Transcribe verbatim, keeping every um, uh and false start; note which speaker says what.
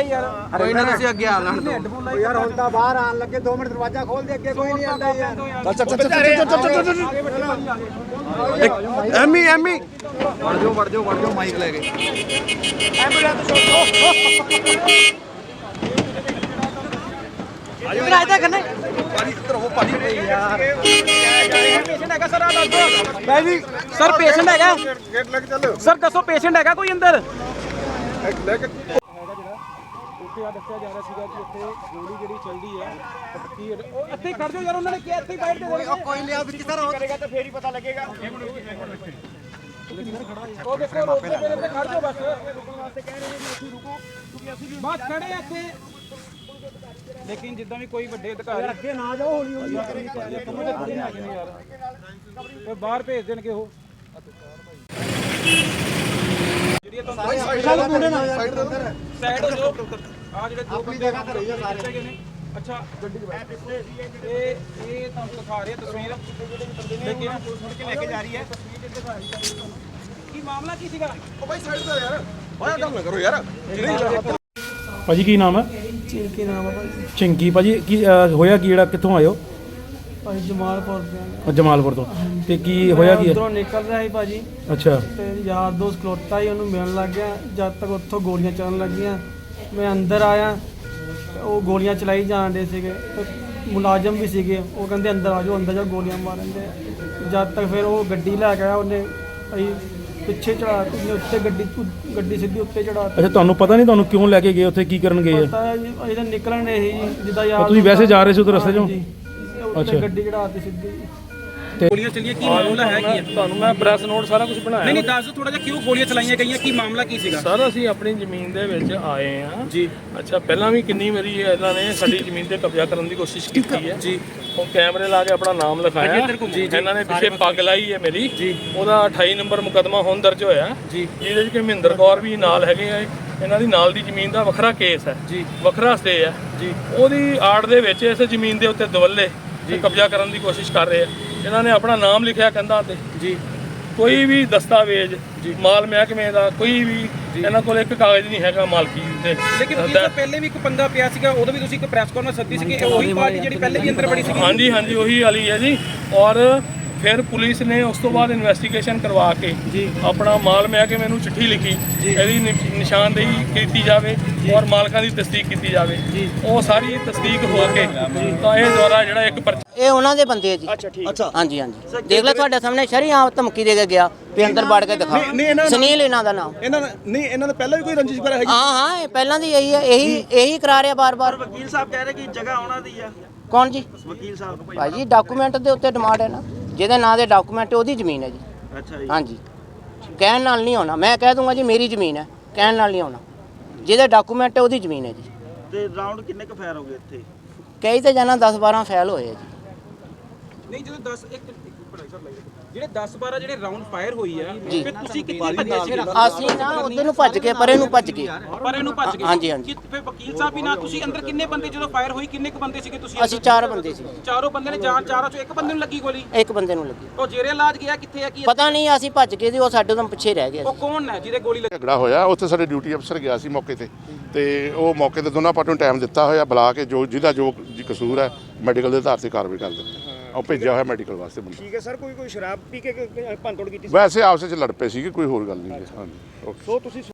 Speaker 1: यार
Speaker 2: कोई ना तुसी अगे आ लैण दो
Speaker 3: यार हुण तां बाहर आण लगे दो मिनट दरवाजा खोल दे अगे कोई नहीं आंदा यार
Speaker 4: चल चल चल चल चल चल एमी एमी
Speaker 2: वड़ जाओ वड़ जाओ वड़ जाओ माइक लेके
Speaker 1: रायता करने
Speaker 4: भाई इधर हो भाई
Speaker 1: यार पेशेंट हैगा सर आ दस दो भाई जी सर पेशेंट हैगा
Speaker 4: गेट लेके चल
Speaker 1: सर दसो पेशेंट हैगा कोई अंदर
Speaker 4: लेके
Speaker 1: ਉੱਥੇ ਆ ਦੱਸਿਆ ਜਾ ਰਿਹਾ ਸੀਗਾ ਕਿ ਇੱਥੇ ਗੋਲੀ ਜਿਹੜੀ ਚੱਲਦੀ ਹੈ ਕੀ ਉਹ ਇੱਥੇ ਖੜ ਜਾਓ ਯਾਰ ਉਹਨਾਂ ਨੇ ਕਿਹਾ ਇੱਥੇ ਬਾਈਟ ਦੇ ਦੇਣੀ
Speaker 3: कोई ले अब किधर हो
Speaker 1: ਕਰੇਗਾ ਤਾਂ ਫੇਰ ਹੀ ਪਤਾ ਲੱਗੇਗਾ ਉਹ ਦੇਖੋ ਰੋਕਦੇ ਪਏ ਤੇ ਖੜ ਜਾਓ ਬਸ ਰੁਕਣ ਵਾਸਤੇ ਕਹਿ ਰਹੇ ਨੇ ਵੀ ਅਸੀਂ ਰੁਕੋ ਕਿਉਂਕਿ ਅਸੀਂ ਵੀ ਬਸ ਖੜੇ ਆ ਇੱਥੇ ਲੇਕਿਨ ਜਿੱਦਾਂ ਵੀ ਕੋਈ ਵੱਡੇ ਅਧਿਕਾਰੀ
Speaker 3: ਅੱਗੇ ਨਾ ਜਾਓ ਹੌਲੀ ਹੌਲੀ
Speaker 1: ਯਾਰ ਤੇ ਬਾਹਰ ਭੇਜ ਦੇਣਗੇ ਉਹ ਜਿਹੜੀ ਤੁਹਾਨੂੰ
Speaker 3: साइड मुंडे ना साइड
Speaker 1: ਸਾਈਡ ਹੋ ਜਾਓ ਆ ਜਿਹੜੇ ਦੋ ਬੰਦੇ ਜਗ੍ਹਾ ਤੇ ਰਹੀ ਸਾਰੇ ਨੇ ਅੱਛਾ ਗੱਡੀ 'ਚ ਬੈਠ ਇਹ ਇਹ ਤੁਹਾਨੂੰ ਦਿਖਾ ਰਿਹਾ ਤਸਵੀਰ ਲੇਕਿਨ ਪੁਲਿਸ ਫੜ ਕੇ ਲੈ ਕੇ ਜਾ ਰਹੀ ਹੈ ਕੀ ਮਾਮਲਾ ਕੀ ਸੀਗਾ
Speaker 4: ओ भाई साइड से यार बड़ा काम ना करो यार
Speaker 5: ਭਾਜੀ ਕੀ ਨਾਮ ਹੈ?
Speaker 6: ਚਿੰਕੀ ਨਾਮ ਆ ਭਾਜੀ
Speaker 5: ਚਿੰਕੀ ਭਾਜੀ ਕੀ ਅਹ, ਹੋਇਆ ਕੀ ਜਿਹੜਾ ਕਿੱਥੋਂ ਆਇਓ?
Speaker 6: ਭਾਜੀ ਜਮਾਲਪੁਰ ਦੇ
Speaker 5: ਅਹ, ਜਮਾਲਪੁਰ ਤੋਂ ਤੇ ਕੀ ਹੋਇਆ ਕੀ ਹੈ?
Speaker 6: ਉਧਰੋਂ ਨਿਕਲ ਰਿਹਾ ਸੀ ਭਾਜੀ
Speaker 5: ਅੱਛਾ
Speaker 6: ਤੇ ਯਾਰ ਦੋਸਤ ਖਲੋਤਾ ਹੀ ਉਹਨੂੰ ਮਿਲਣ ਲੱਗ ਗਿਆ ਜਦ ਤੱਕ ਉੱਥੋਂ ਗੋਲੀਆਂ ਚੱਲਣ ਲੱਗੀਆਂ ਮੈਂ ਅੰਦਰ ਆਇਆ ਤੇ ਉਹ ਗੋਲੀਆਂ ਚਲਾਈ ਜਾਣ ਦੇ ਸੀਗੇ ਤੇ ਮੁਲਾਜ਼ਮ ਵੀ ਸੀਗੇ ਉਹ ਕਹਿੰਦੇ ਅੰਦਰ ਆ ਜਾਓ ਅੰਦਰ ਜਾ ਗੋਲੀਆਂ ਮਾਰਨ ਦੇ ਜਦ ਤੱਕ ਫਿਰ ਉਹ ਗੱਡੀ ਲੈ ਕੇ ਆਇਆ ਉਹਨੇ ਅਸੀਂ ਪਿੱਛੇ ਚੜਾ ਕੇ ਉੱਤੇ ਗੱਡੀ ਗੱਡੀ ਸਿੱਧੀ ਉੱਤੇ ਚੜਾ
Speaker 5: ਅੱਛਾ ਤੁਹਾਨੂੰ ਪਤਾ ਨਹੀਂ ਤੁਹਾਨੂੰ ਕਿਉਂ ਲੈ ਕੇ ਗਏ ਉੱਥੇ ਕੀ ਕਰਨ ਗਏ ਆ?
Speaker 6: ਪਤਾ ਹੈ ਜੀ ਅਸੀਂ ਤਾਂ ਨਿਕਲਣ ਦੇ ਸੀ ਜਿੱਦਾਂ ਯਾਰ
Speaker 5: ਤੁਸੀਂ ਵੈਸੇ ਜਾ ਰਹੇ ਸੀ ਉਧਰ ਰਸਤੇ 'ਚੋਂ?
Speaker 6: ਹਾਂਜੀ। ਤੇ ਉੱਤੇ
Speaker 5: ਅੱਛਾ।
Speaker 6: ਗੱਡੀ ਚੜਾਤੀ ਸਿੱਧੀ
Speaker 1: ਗੋਲੀਆਂ ਚੱਲੀਆਂ ਕੀ ਮਾਮਲਾ ਹੈ ਕੀ ਹੈ
Speaker 7: ਤੁਹਾਨੂੰ ਮੈਂ ਪ੍ਰੈਸ ਨੋਟ ਸਾਰਾ ਕੁਝ ਬਣਾਇਆ
Speaker 1: ਨਹੀਂ ਨਹੀਂ ਦੱਸ ਦਿਓ ਥੋੜਾ ਜਿਹਾ ਕਿਉਂ ਗੋਲੀਆਂ ਚਲਾਈਆਂ ਗਈਆਂ ਕੀ ਮਾਮਲਾ ਕੀ ਸੀਗਾ
Speaker 7: ਸਰ ਅਸੀਂ ਆਪਣੀ ਜ਼ਮੀਨ ਦੇ ਵਿੱਚ ਆਏ ਆ
Speaker 1: ਜੀ
Speaker 7: ਅੱਛਾ ਪਹਿਲਾਂ ਵੀ ਕਿੰਨੀ ਵਾਰੀ ਇਹਨਾਂ ਨੇ ਸਾਡੀ ਜ਼ਮੀਨ ਤੇ ਕਬਜ਼ਾ ਕਰਨ ਦੀ ਕੋਸ਼ਿਸ਼ ਕੀਤੀ ਹੈ
Speaker 1: ਜੀ
Speaker 7: ਉਹ ਕੈਮਰੇ ਲਾ ਕੇ ਆਪਣਾ ਨਾਮ ਲਿਖਾਇਆ ਇਹਨਾਂ ਨੇ ਪਿੱਛੇ ਪੱਗ ਲਾਈ ਹੈ ਮੇਰੀ ਉਹਦਾ ਅਠਾਈ ਨੰਬਰ ਮੁਕੱਦਮਾ ਹੁਣ ਦਰਜ ਹੋਇਆ
Speaker 1: ਜੀ
Speaker 7: ਜਿਹਦੇ ਵਿੱਚ ਕਿ ਮਹਿੰਦਰ ਕੌਰ ਵੀ ਨਾਲ ਹੈਗੇ ਆ ਇਹਨਾਂ ਦੀ ਨਾਲ ਦੀ ਜ਼ਮੀਨ ਦਾ ਵੱਖਰਾ ਕੇਸ ਹੈ
Speaker 1: ਜੀ
Speaker 7: ਵੱਖਰਾ ਸਟੇ ਹੈ
Speaker 1: ਜੀ
Speaker 7: ਉਹਦੀ ਆੜ ਦੇ ਵਿੱਚ ਇਸ ਜ਼ਮੀਨ ਦੇ ਉੱਤੇ ਦਵੱਲੇ ਤੇ ਕਬਜ਼ਾ ਕਰਨ ਦੀ ਕੋਸ਼ਿਸ਼ ਕਰ ਰਹੇ ਆ ਇਹਨਾਂ ਨੇ ਆਪਣਾ ਨਾਮ ਲਿਖਿਆ ਕੰਧਾਂ ਤੇ
Speaker 1: ਜੀ
Speaker 7: ਕੋਈ ਵੀ ਦਸਤਾਵੇਜ਼ ਮਾਲ ਮਹਿਕਮੇ ਦਾ ਕੋਈ ਵੀ ਇਹਨਾਂ ਕੋਲ ਇੱਕ ਕਾਗਜ਼ ਨਹੀਂ ਹੈਗਾ ਮਾਲਕੀ ਤੇ
Speaker 1: ਲੇਕਿਨ ਇਹ ਤਾਂ ਪਹਿਲੇ ਵੀ ਇੱਕ ਪੰਗਾ ਪਿਆ ਸੀਗਾ ਉਦੋਂ ਵੀ ਤੁਸੀਂ ਇੱਕ ਪ੍ਰੈਸ ਕਾਨਫਰੰਸ ਸੱਦੀ ਸੀ ਕਿ ਉਹੀ ਪਾਰਟੀ ਜਿਹੜੀ ਪਹਿਲੇ ਵੀ ਅੰਦਰ ਬੜੀ ਸੀ
Speaker 7: ਹਾਂਜੀ ਹਾਂਜੀ ਉਹੀ ਵਾਲੀ ਹੈ ਜੀ ਔਰ ਫਿਰ ਪੁਲਿਸ ਨੇ ਉਸ ਤੋਂ ਬਾਅਦ ਇਨਵੈਸਟੀਗੇਸ਼ਨ ਕਰਵਾ ਕੇ ਆਪਣਾ ਮਾਲ ਮਹਿਕਮੇ ਨੂੰ ਚਿੱਠੀ ਲਿਖੀ ਇਹਦੀ ਨਿ- ਨਿਸ਼ਾਨਦੇਹੀ ਕੀਤੀ ਜਾਵੇ ਔਰ ਮਾਲਕਾਂ ਦੀ ਤਸਦੀਕ ਕੀਤੀ ਜਾਵੇ ਉਹ ਸਾਰੀ ਤਸਦੀਕ ਹੋ ਕੇ ਤਾਂ ਇਹ ਦੁਆਰਾ ਜਿਹੜਾ ਇੱਕ ਪਰਚਾ
Speaker 8: ਇਹ ਉਹਨਾਂ ਦੇ ਬੰਦੇ ਆ ਜੀ ਅੱਛਾ ਠੀਕ ਅੱਛਾ ਹਾਂਜੀ ਹਾਂਜੀ ਦੇਖ ਲੈ ਤੁਹਾਡੇ ਸਾਹਮਣੇ ਸ਼ਰੀਆਮ ਧਮਕੀ ਦੇ ਕੇ ਗਿਆ ਵੀ ਅੰਦਰ ਵੜ ਕੇ ਦਿਖਾ ਸੁਨੀਲ ਇਹਨਾਂ ਦਾ ਨਾਮ
Speaker 4: ਇਹਨਾਂ ਨਹੀਂ ਇਹਨਾਂ ਨੇ ਪਹਿਲਾਂ ਵੀ ਕੋਈ ਰੰਜਿਸ਼ ਵਗੈਰਾ ਹੈਗੀ
Speaker 8: ਹਾਂ ਹਾਂ ਇਹ ਪਹਿਲਾਂ ਦੀ ਇਹੀ ਹੈ ਇਹੀ ਇਹੀ ਕਰਾ ਰਿਹਾ ਬਾਰ-ਬਾਰ
Speaker 3: ਵਕੀਲ ਸਾਹਿਬ ਕਹਿ ਰਹੇ ਕਿ ਜਗ੍ਹਾ ਉਹਨਾਂ ਦੀ ਆ
Speaker 8: ਕੌਣ ਜੀ
Speaker 3: ਵਕੀਲ ਸਾਹਿਬ
Speaker 8: ਭਾਈ ਜੀ ਡਾਕੂਮੈਂਟ ਦੇ ਉੱਤੇ ਡਿਮਾਂਡ ਹੈ ਨਾ ਜਿਹਦੇ ਨਾਂ ਦੇ ਡਾਕੂਮੈਂਟ ਉਹਦੀ ਜ਼ਮੀਨ ਹੈ ਜੀ
Speaker 3: ਅੱਛਾ ਜੀ
Speaker 8: ਹਾਂਜੀ ਕਹਿਣ ਨਾਲ ਨਹੀਂ ਹੋਣਾ ਮੈਂ ਕਹਿ ਦੂੰਗਾ ਜੀ ਮੇਰੀ ਜ਼ਮੀਨ ਹੈ ਕਹਿਣ ਨਾਲ ਨਹੀਂ ਹੋਣਾ ਜਿਹਦੇ ਡਾਕੂਮੈਂਟ ਹੈ ਉਹਦੀ ਜ਼ਮੀਨ ਹੈ ਜੀ
Speaker 3: ਤੇ ਰਾਉਂਡ ਕਿੰਨੇ ਕੁ ਫਾਇਰ ਹੋ ਗਏ ਇੱਥੇ
Speaker 8: ਕਈ ਤੇ ਜਾਣਾ ਦਸ ਬਾਰਾਂ ਫੈਲ ਹੋਏ ਆ ਜੀ
Speaker 1: ਨਹੀਂ ਜਦੋਂ ਦਸ ਇੱਕ ਜਿਹੜੇ ਦਸ ਬਾਰਾਂ ਜਿਹੜੇ ਰਾਉਂਡ ਫਾਇਰ ਹੋਈ ਆ
Speaker 8: ਜੀ।
Speaker 1: ਫਿਰ ਤੁਸੀਂ ਕਿੱਥੇ ਭੱਜੇ ਸੀਗੇ
Speaker 8: ਅਸੀਂ ਨਾ ਉਧਰ ਨੂੰ ਭੱਜ ਕੇ ਪਰੇ ਨੂੰ ਭੱਜ ਗਏ
Speaker 1: ਪਰ ਇਹਨੂੰ ਭੱਜ ਗਏ
Speaker 8: ਹਾਂਜੀ, ਹਾਂਜੀ।
Speaker 1: ਕਿ ਫਿਰ ਵਕੀਲ ਸਾਹਿਬ ਵੀ ਨਾ ਤੁਸੀਂ ਅੰਦਰ ਕਿੰਨੇ ਬੰਦੇ ਜਦੋਂ ਫਾਇਰ ਹੋਈ ਕਿੰਨੇ ਕੁ ਬੰਦੇ ਸੀਗੇ ਤੁਸੀਂ
Speaker 8: ਅਸੀਂ ਚਾਰ ਬੰਦੇ ਸੀ
Speaker 1: ਚਾਰੋਂ ਬੰਦੇ ਨੇ ਜਾਨ ਚਾਰਾਂ ਚੋਂ ਇੱਕ ਬੰਦੇ ਨੂੰ ਲੱਗੀ ਗੋਲੀ
Speaker 8: ਇੱਕ ਬੰਦੇ ਨੂੰ ਲੱਗੀ
Speaker 1: ਉਹ ਜੇਰੇ ਇਲਾਜ ਗਿਆ ਕਿੱਥੇ ਆ ਕੀ
Speaker 8: ਪਤਾ ਨਹੀਂ ਅਸੀਂ ਭੱਜ ਗਏ ਸੀ ਉਹ ਸਾਡੇ ਤੋਂ ਪਿੱਛੇ ਰਹਿ ਗਿਆ
Speaker 1: ਉਹ ਕੌਣ ਹੈ ਜਿਹਦੇ ਗੋਲੀ ਲੱਗੀ
Speaker 4: ਝਗੜਾ ਹੋਇਆ ਉੱਥੇ ਸਾਡੇ ਡਿਊਟੀ ਅਫਸਰ ਗਿਆ ਸੀ ਮੌਕੇ ਤੇ ਤੇ ਉਹ ਮੌਕੇ ਤੇ ਦੋਨਾਂ ਪਾਰਟੀਆਂ ਨੂੰ ਟਾਈਮ ਦਿੱਤਾ ਹੋਇਆ ਬੁਲਾ ਕੇ ਜੋ ਜਿਹਦਾ ਜੋ ਕਸੂਰ ਹੈ ਮੈਡੀਕਲ ਦੇ ਆਧਾਰ ਤੇ ਕਾਰਵਾਈ ਕਰ ਦਿੱਤੀ ਉਹ ਭੇਜਿਆ ਹੋਇਆ ਮੈਡੀਕਲ ਵਾਸਤੇ ਬੰਦਾ
Speaker 3: ਠੀਕ ਹੈ ਸਰ ਕੋਈ ਕੋਈ ਸ਼ਰਾਬ ਪੀ ਕੇ ਭੰਨਤੋੜ ਕੀਤੀ
Speaker 4: ਵੈਸੇ ਆਪਸ ਵਿੱਚ ਲੜ ਪਏ ਸੀਗੇ ਕੋਈ ਹੋਰ ਗੱਲ ਨਹੀਂ ਹਾਂਜੀ ਓਕੇ
Speaker 3: ਸੋ ਤੁਸੀਂ